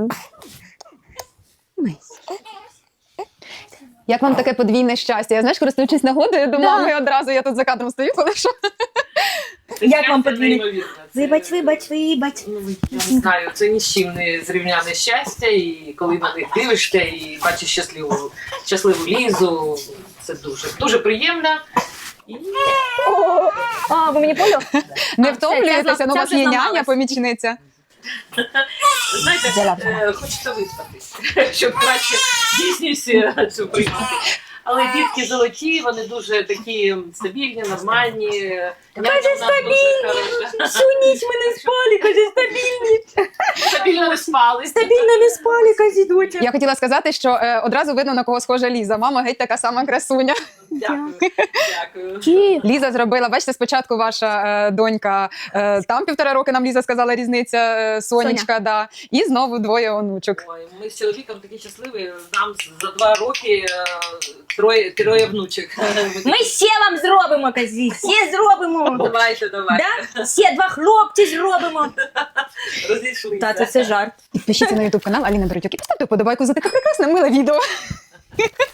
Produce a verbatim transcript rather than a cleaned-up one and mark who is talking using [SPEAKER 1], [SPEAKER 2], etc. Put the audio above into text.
[SPEAKER 1] мамою.
[SPEAKER 2] Як вам таке подвійне щастя? Я, знаєш, користуючись нагодою до
[SPEAKER 1] Да.
[SPEAKER 2] мами одразу, я тут за кадром стою, коли що.
[SPEAKER 1] Як вам
[SPEAKER 3] Щастя
[SPEAKER 1] подвійне?
[SPEAKER 3] неймовірне. Це-
[SPEAKER 1] Вибач, вибач, вибач.
[SPEAKER 3] Ну, я не знаю, це ні з чим не зрівняне щастя, і коли на них дивишся і бачиш щасливу, щасливу Лізу, це дуже, дуже приємно. І...
[SPEAKER 1] А, ви мені поняли?
[SPEAKER 2] Не
[SPEAKER 1] це
[SPEAKER 2] втомлюєтеся, ну у
[SPEAKER 1] вже
[SPEAKER 2] вас є няня,
[SPEAKER 1] зламалась.
[SPEAKER 2] помічниця.
[SPEAKER 3] Знаєте,
[SPEAKER 1] Взяла,
[SPEAKER 3] е, хочеться виспатись, щоб краще дійсність цю приймати. Але дітки золоті, вони дуже такі стабільні, нормальні. Каже, стабільні!
[SPEAKER 1] Всю ніч ми не спали, каже, стабільні.
[SPEAKER 3] Стабільно не спали.
[SPEAKER 1] Стабільно не спали, каже, доча.
[SPEAKER 2] Я хотіла сказати, що е, одразу видно, на кого схожа Ліза. Мама геть така сама красуня.
[SPEAKER 3] Дякую. Дякую.
[SPEAKER 1] Ті.
[SPEAKER 2] Ліза зробила, бачите, спочатку ваша е, донька, е, там півтора роки нам Ліза сказала різниця, е, Сонечка, да. І знову двоє онучок.
[SPEAKER 3] Ой, ми з чоловіком такі щасливі. Нам за два роки е, троє, троє внучок.
[SPEAKER 1] Ми ще вам зробимо, казі, ще зробимо.
[SPEAKER 3] Давайте, давайте.
[SPEAKER 1] Да? Ще два хлопці зробимо.
[SPEAKER 3] Розійшлися.
[SPEAKER 1] Та, це все жарт.
[SPEAKER 2] Підпишіться на ютуб канал Аліна Беретюк і поставте вподобайку за таке прекрасне миле відео.